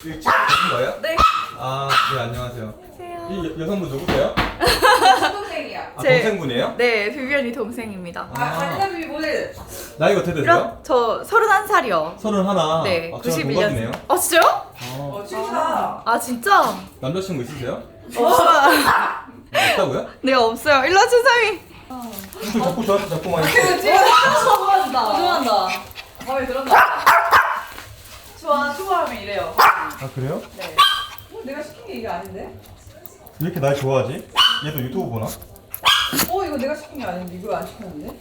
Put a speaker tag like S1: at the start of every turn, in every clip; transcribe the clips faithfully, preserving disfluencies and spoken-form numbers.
S1: 이거 찍는 거예요?
S2: 네.
S1: 아, 네, 안녕하세요.
S2: 안녕하세요.
S1: 이 여, 여성분 누구세요?
S3: 동생이야.
S1: 아,
S2: 제-
S1: 동생분이에요?
S2: 네, 비비언이 동생입니다.
S3: 아, 간사비 모델.
S1: 나이가 어떻게 되세요?
S2: 그럼 저 서른한 살이요.
S1: 서른 하나.
S2: 네,
S1: 아, 저랑
S2: 구십일
S1: 동갑이네요.
S2: 년. 아 진짜요?
S1: 어,
S3: 어, 친구다.
S2: 아 진짜?
S1: 남자친구 있으세요?
S2: 없어요.
S1: 없다고요?
S2: 네 없어요. 일로 와 준삼이.
S1: 또 자꾸 저한테 자꾸 많이.
S3: 좋아한다. 좋아한다. 마음에 들었나? 좋아, 좋아하면 이래요.
S1: 아, 그래요?
S3: 네. 어, 내가 시킨 게 이게 아닌데?
S1: 왜 이렇게 날 좋아하지? 얘도 유튜브 보나?
S3: 어, 이거 내가 시킨 게 아닌데? 이거 안 시켰는데?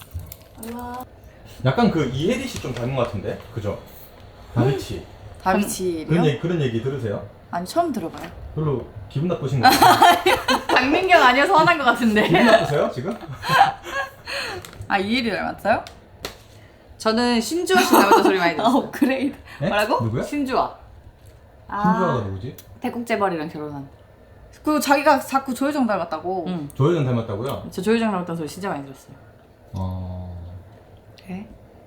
S1: 약간 그 이혜리 씨 좀 닮은 것 같은데? 그죠? 다비치. 그런
S2: 다비치요?
S1: 얘기, 그런 얘기 들으세요?
S2: 아니 처음 들어봐요.
S1: 별로 기분 나쁘신 거 같아요.
S2: 박민경 아니어서 화난 것 같은데.
S1: 기분 나쁘세요, 지금?
S2: 아 이일이 닮았어요?
S3: 저는 신주아 씨 닮았다 소리 많이
S2: 아
S3: 들었어요.
S2: 업그레이드.
S1: 네?
S2: 뭐라고?
S1: 누구야?
S3: 신주아.
S1: 신주아가 누구지?
S3: 태국재벌이랑 결혼한.
S2: 그 자기가 자꾸 조효정 닮았다고.
S3: 응.
S1: 조혜전 닮았다고요?
S3: 저 조효정 닮았다는 소리 진짜 많이 들었어요.
S1: 어...
S2: 네?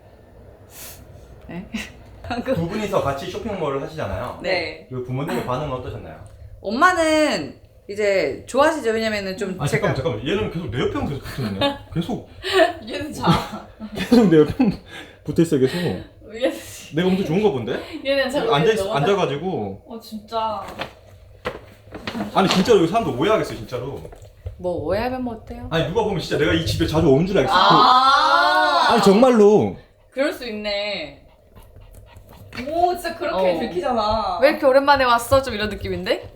S3: 네?
S1: 두 분이서 같이 쇼핑몰을 하시잖아요.
S3: 네.
S1: 그 부모님의 반응은 어떠셨나요?
S3: 엄마는 이제 좋아하시죠. 왜냐면은 좀
S1: 아
S3: 제가
S1: 잠깐만 잠깐만 얘는 계속 내 옆에 계속 붙어있네. 계속
S3: 얘는 자.
S1: 계속 내 옆에 붙어있어 계속.
S3: 얘는
S1: 내가 엄청 좋은가 본데?
S3: 얘는 자.
S1: 앉아 앉아가지고
S3: 어 진짜.
S1: 아니 진짜로 여기 사람들 오해하겠어 진짜로.
S3: 뭐 오해하면 뭐 어때요?
S1: 아니 누가 보면 진짜 내가 이 집에 자주 온 줄 알겠어.
S3: 아.
S1: 아니 정말로.
S3: 그럴 수 있네.
S2: 오 진짜 그렇게
S3: 어.
S2: 들키잖아.
S3: 왜 이렇게 오랜만에 왔어? 좀 이런 느낌인데?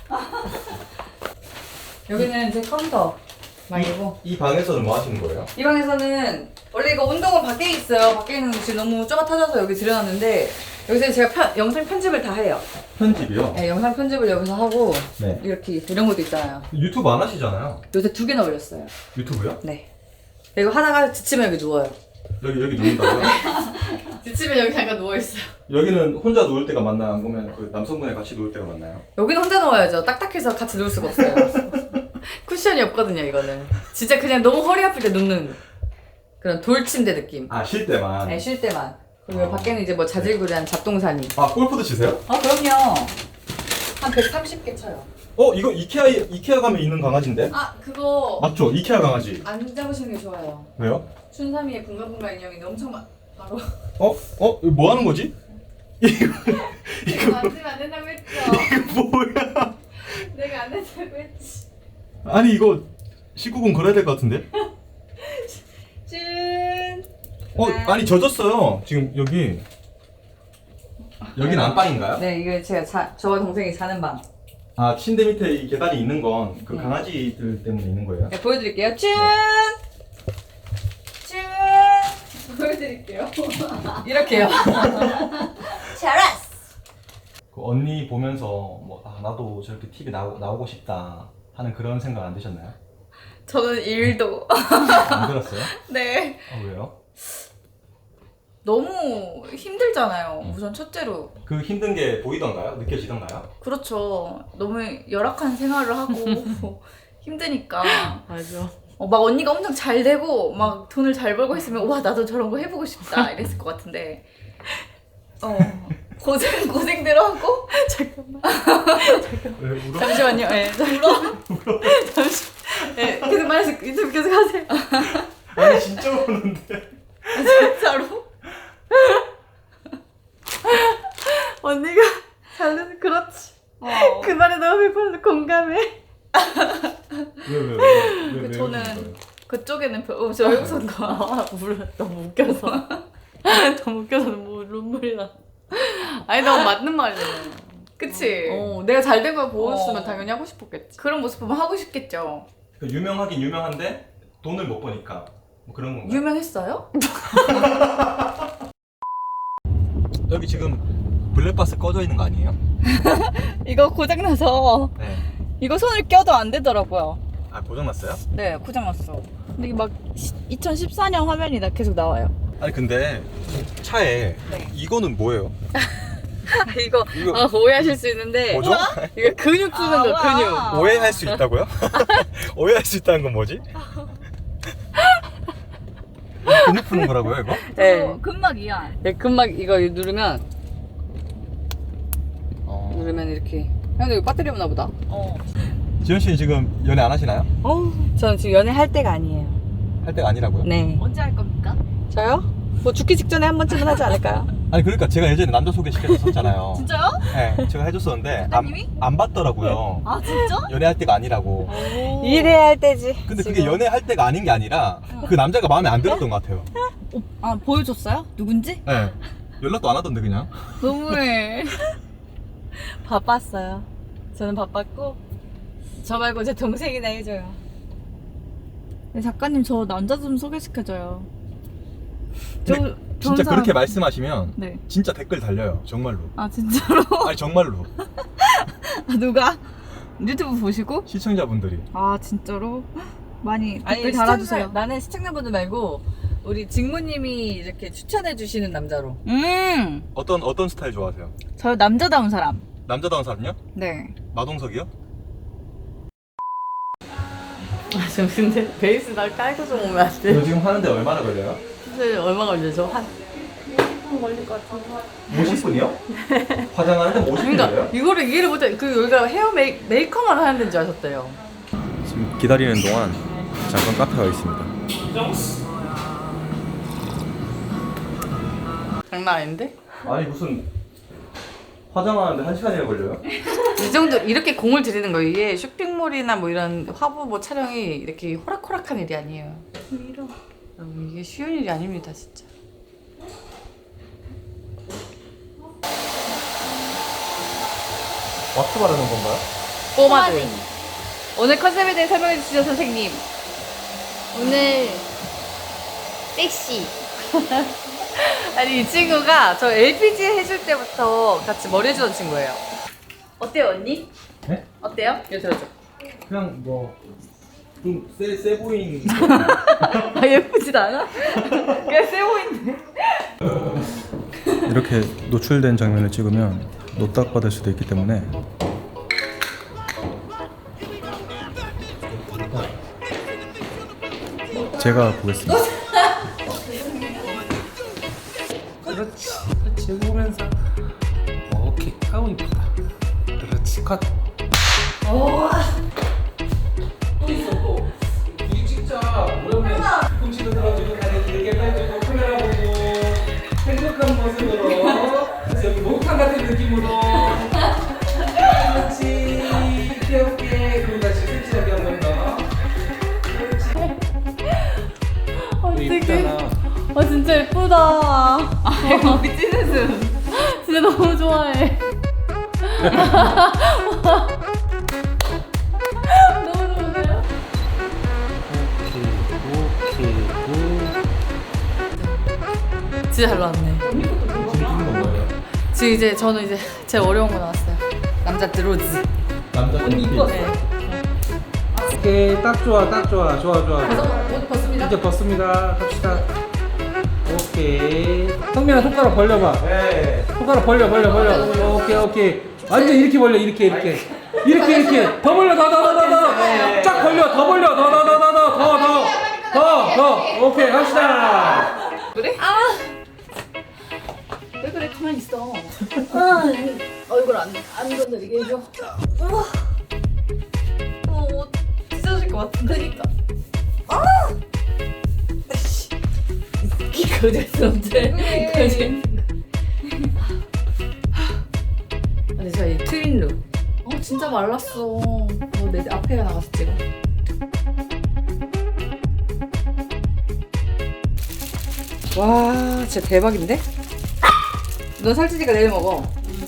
S3: 여기는 제 카운터 방이고
S1: 이 방에서는 뭐 하시는 거예요?
S3: 이 방에서는 원래 이거 운동은 밖에 있어요. 밖에 있는 지금 너무 좁아 터져서 여기 들여놨는데 여기서 제가 편, 영상 편집을 다 해요.
S1: 편집이요?
S3: 네, 영상 편집을 여기서 하고
S1: 네.
S3: 이렇게 이런 것도 있잖아요.
S1: 유튜브 안 하시잖아요.
S3: 요새 두 개나 올렸어요.
S1: 유튜브요?
S3: 네. 이거 하다가 지치면 여기 누워요.
S1: 여기 여기 누운다고요?
S3: 지치면 여기 잠깐 누워있어요.
S1: 여기는 혼자 누울 때가 맞나요? 아니면 그 남성분이 같이 누울 때가 맞나요?
S3: 여기는 혼자 누워야죠. 딱딱해서 같이 누울 수가 없어요. 쿠션이 없거든요, 이거는. 진짜 그냥 너무 허리 아플 때 눕는 그런 돌침대 느낌.
S1: 아 쉴 때만.
S3: 네, 쉴 때만. 그리고
S1: 아.
S3: 밖에는 이제 뭐 자질구레한 잡동사니.
S1: 아 골프도 치세요?
S3: 아, 그럼요. 한 백삼십 개 쳐요.
S1: 어 이거 이케아 이케아 가면 있는 강아지인데?
S3: 아, 그거
S1: 맞죠? 이케아 강아지.
S3: 안 잡으시는 게 좋아요.
S1: 왜요?
S3: 춘삼이의 붕가붕가 인형이 엄청 많, 바로.
S1: 어? 어? 이거 뭐 하는 거지? 이거
S3: 내가 만지면 안 된다고 했죠.
S1: 이거 뭐야?
S3: 내가 안 된다고 했지.
S1: 아니 이거 십구 금 걸어야 될 것 같은데?
S3: 준.
S1: 어 아니 젖었어요 지금 여기. 여긴 안방인가요?
S3: 네, 이거 제가 자, 저와 동생이 자는 방.
S1: 아 침대 밑에 이 계단이 있는 건 그
S3: 네.
S1: 강아지들 때문에 있는 거예요?
S3: 네, 보여드릴게요. 준. 준. 보여드릴게요. 이렇게요. 잘했어.
S1: 그 언니 보면서 뭐 아, 나도 저렇게 티비 나오, 나오고 싶다 하는 그런 생각 안 드셨나요?
S2: 저는 일도.
S1: 안 들었어요?
S2: 네.
S1: 아 왜요?
S2: 너무 힘들잖아요. 우선 첫째로.
S1: 그 힘든 게 보이던가요? 느껴지던가요?
S2: 그렇죠. 너무 열악한 생활을 하고 힘드니까.
S3: 맞아.
S2: 어, 막 언니가 엄청 잘 되고 막 돈을 잘 벌고 있으면 와 나도 저런 거 해보고 싶다 이랬을 것 같은데 어 고생 고생대로 하고 잠깐만
S1: 왜 울어?
S2: 잠시만요. 예. 울어? 잠시. 예. 계속 말해서 유튜브 계속 하세요.
S1: 아니 진짜 우는데.
S2: 진짜로? 언니가 잘 돼서 그렇지.
S3: 어.
S2: 그 말에 너무 백 퍼센트 공감해.
S1: 왜왜왜 왜, 왜, 왜,
S2: 저는
S1: 우는 거예요?
S2: 그쪽에는 별, 어, 저 여기서 아, 물어 너무 웃겨서 너무 웃겨서 뭐 눈물이 나. 아니 너무 맞는 말이잖아요. 그치?
S3: 어, 내가 잘 된 걸 보였으면
S2: 어.
S3: 당연히 하고 싶었겠지.
S2: 그런 모습 보면 하고 싶겠죠.
S1: 그 유명하긴 유명한데 돈을 못 버니까 뭐 그런 건가요?
S2: 유명했어요?
S1: 여기 지금 블랙박스 꺼져 있는 거 아니에요?
S2: 이거 고장나서
S1: 네.
S2: 이거 손을 껴도 안 되더라고요.
S1: 아 고장났어요?
S2: 네, 고장났어. 근데 이게 막 이천십사 년 화면이 나 계속 나와요.
S1: 아니 근데 차에
S2: 네.
S1: 이거는 뭐예요?
S2: 이거,
S1: 이거
S2: 아, 오해하실 수 있는데
S1: 뭐죠?
S2: 이게 근육 쓰는 거, 근육.
S1: 오해할 수 있다고요? 오해할 수 있다는 건 뭐지? 근육 푸는 거라고요 이거?
S3: 네.
S2: 근막이야.
S3: 네, 금막 이거 누르면
S1: 어.
S3: 누르면 이렇게. 근데 이거 배터리 없나 보다.
S2: 어.
S1: 지현 씨는 지금 연애 안 하시나요?
S3: 어, 저는 지금 연애할 때가 아니에요.
S1: 할 때가 아니라고요?
S3: 네.
S2: 언제 할 겁니까?
S3: 저요? 뭐 죽기 직전에 한 번쯤은 하지 않을까요?
S1: 아니 그러니까 제가 예전에 남자 소개시켜줬었잖아요.
S2: 진짜요?
S1: 네, 제가 해줬었는데 안,
S2: 작가님이?
S1: 안 받더라고요.
S2: 아 진짜?
S1: 연애할 때가 아니라고.
S3: 일해야 할 때지.
S1: 근데 그게
S3: 지금.
S1: 연애할 때가 아닌 게 아니라 그 남자가 마음에 안 들었던 것 같아요.
S2: 아 보여줬어요? 누군지?
S1: 네. 연락도 안 하던데 그냥.
S2: 너무해.
S3: 바빴어요. 저는 바빴고 저 말고 제 동생이나 해줘요.
S2: 네, 작가님 저 남자 좀 소개시켜줘요. 저
S1: 근데
S2: 좋은
S1: 진짜
S2: 사람-
S1: 그렇게 말씀하시면
S2: 네.
S1: 진짜 댓글 달려요. 정말로.
S2: 아 진짜로?
S1: 아니 정말로.
S2: 아, 누가? 유튜브 보시고?
S1: 시청자분들이.
S2: 아 진짜로? 많이 댓글
S3: 아니
S2: 달아주세요.
S3: 시청자, 나는 시청자분들 말고 우리 직무님이 이렇게 추천해 주시는 남자로.
S2: 음,
S1: 어떤 어떤 스타일 좋아하세요?
S2: 저 남자다운 사람.
S1: 남자다운 사람요?
S2: 네.
S1: 마동석이요?
S3: 아, 저 근데 베이스 나 깔고 좀 오면 안 돼?
S1: 이거 지금 하는데 얼마나 걸려요?
S3: 사실 얼마 걸리죠? 한
S1: 오십 분이요? 화장하는데 오십 분
S3: 그러니까
S1: 걸려요?
S3: 이거를 이해를 못해. 그 여기가 헤어 메이, 메이커만 하는 데인 줄 아셨대요.
S1: 지금 기다리는 동안 잠깐 카페가 있습니다.
S3: 장난 아닌데?
S1: 아니 무슨 화장하는데 한 시간이나 걸려요?
S3: 이 정도 이렇게 공을 들이는 거예요. 이게 쇼핑몰이나 뭐 이런 화보 뭐 촬영이 이렇게 호락호락한 일이 아니에요.
S2: 이러.
S3: 여러분, 이게 쉬운 일이 아닙니다, 진짜.
S1: 왁스 바르는 건가요?
S3: 꼬마들.
S2: 오늘 컨셉에 대해 설명해 주시죠 선생님. 오늘 섹시.
S3: 아니 이 친구가 저 엘피지 해줄 때부터 같이 머리 해주던 친구예요.
S2: 어때요 언니?
S1: 네?
S2: 어때요?
S3: 이거 들어줘.
S1: 그냥 뭐 좀 세 세 보이는.
S2: 아 예쁘지도 않아? 그냥 세 보이는데.
S1: 이렇게 노출된 장면을 찍으면 노딱 받을 수도 있기 때문에 제가 보겠습니다.
S4: 그렇지 그렇지 여기 보면서 오케이 아우 이쁘다 그렇지 컷 또 둘이 찍자 오랜만에 뒤꿈치도 들어주고 다리 길게 펴주고 카메라 보고 행복한 모습으로 그래서 여기 목욕탕 같은 느낌으로 그렇지 귀엽게 그리고 다시 섹시하게 한 번 더 그렇지 이쁘잖아
S2: 아 진짜 예쁘다. 아 이거 우리 찐웃음. 진짜 너무 좋아해. 너무 좋은데요?
S3: 진짜 잘 나왔네.
S1: 지금 찍는 건가요?
S3: 지금 이제 저는 이제 제일 어려운 거 나왔어요. 남자 드로즈.
S1: 남자 언니
S3: 네.
S4: 오케이 딱 좋아 딱 좋아 좋아 좋아
S3: 옷 벗습니다.
S4: 이제 벗습니다 갑시다 오케이 성민아 손가락 벌려봐
S1: 네.
S4: 손가락 벌려 벌려 벌려 오케이 오케이 완전 이렇게 벌려 이렇게 이렇게 이렇게 이렇게 더 벌려 더 더 더 더 쫙 벌려 더 벌려 더 더 더 더 더 더 더 더 오케이 갑시다
S2: 그래? 아. 왜 그래 가만히 있어. 아 얼굴 안안 건드리게 해줘. 우와.
S3: 어, 옷 찢어질 것 같은데.
S2: 그니까. 아.
S3: 거절스럽대. 거절. 근데 저희 트윈룩.
S2: 어 진짜 말랐어.
S3: 어, 내 앞에가 나가서 찍어. 와, 진짜 대박인데? 넌 살찌니까 내일 먹어.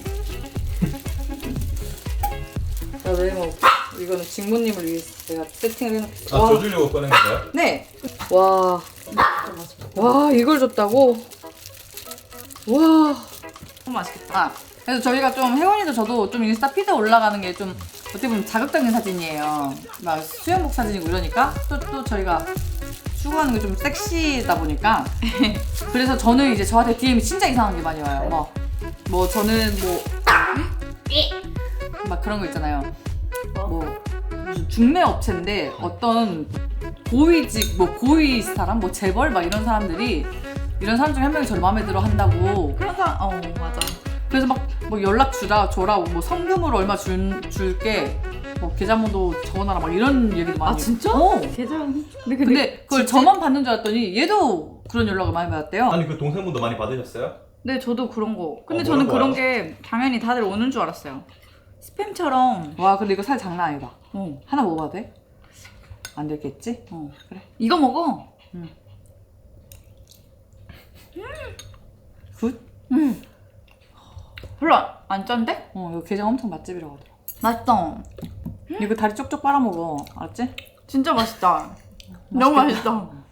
S3: 나 내일 먹어. 이거는 직무님을 위해서 제가 세팅을 해놓고.
S1: 아 줘주려고 꺼낸 건가요?
S3: 네. 와. 와, 이걸 줬다고? 와. 너무 맛있겠다. 아, 그래서 저희가 좀 혜원이도 저도 좀 인스타 피드 올라가는 게 좀 어떻게 보면 자극적인 사진이에요. 막 수영복 사진이고 이러니까 또 또 저희가 추구하는 게 좀 섹시다 보니까 그래서 저는 이제 저한테 디엠이 진짜 이상한 게 많이 와요. 뭐, 뭐 저는 뭐 막 그런 거 있잖아요. 뭐 무슨 중매 업체인데 어떤 고위직 뭐 고위 사람 뭐 재벌 막 이런 사람들이 이런 사람 중에 한 명이 저를 마음에 들어 한다고
S2: 그런 사람 어 맞아.
S3: 그래서 막 뭐 연락 주라 줘라 뭐 성금으로 얼마 줄 줄게 뭐 계좌번호 적어놔라 막 이런 얘기도 많이.
S2: 아 진짜?
S3: 어.
S2: 계좌. 근데
S3: 근데 그걸
S2: 진짜-
S3: 저만 받는 줄 알았더니 얘도 그런 연락을 많이 받았대요.
S1: 아니 그 동생분도 많이 받으셨어요?
S2: 네 저도 그런 거. 근데
S1: 어,
S2: 저는
S1: 뭐라고
S2: 그런 게 당연히 다들 오는 줄 알았어요. 스팸처럼.
S3: 와 근데 이거 살 장난 아니다.
S2: 어.
S3: 하나 먹어봐도 돼? 안 되겠지? 어 그래.
S2: 이거 먹어.
S3: 굿?
S2: 음. 별로 안- 안 짠데?
S3: 어 이거 게장 엄청 맛집이라고 하더라.
S2: 맛있다.
S3: 이거 다리 쪽쪽 빨아먹어. 알았지?
S2: 진짜 맛있다. 너무 맛있다.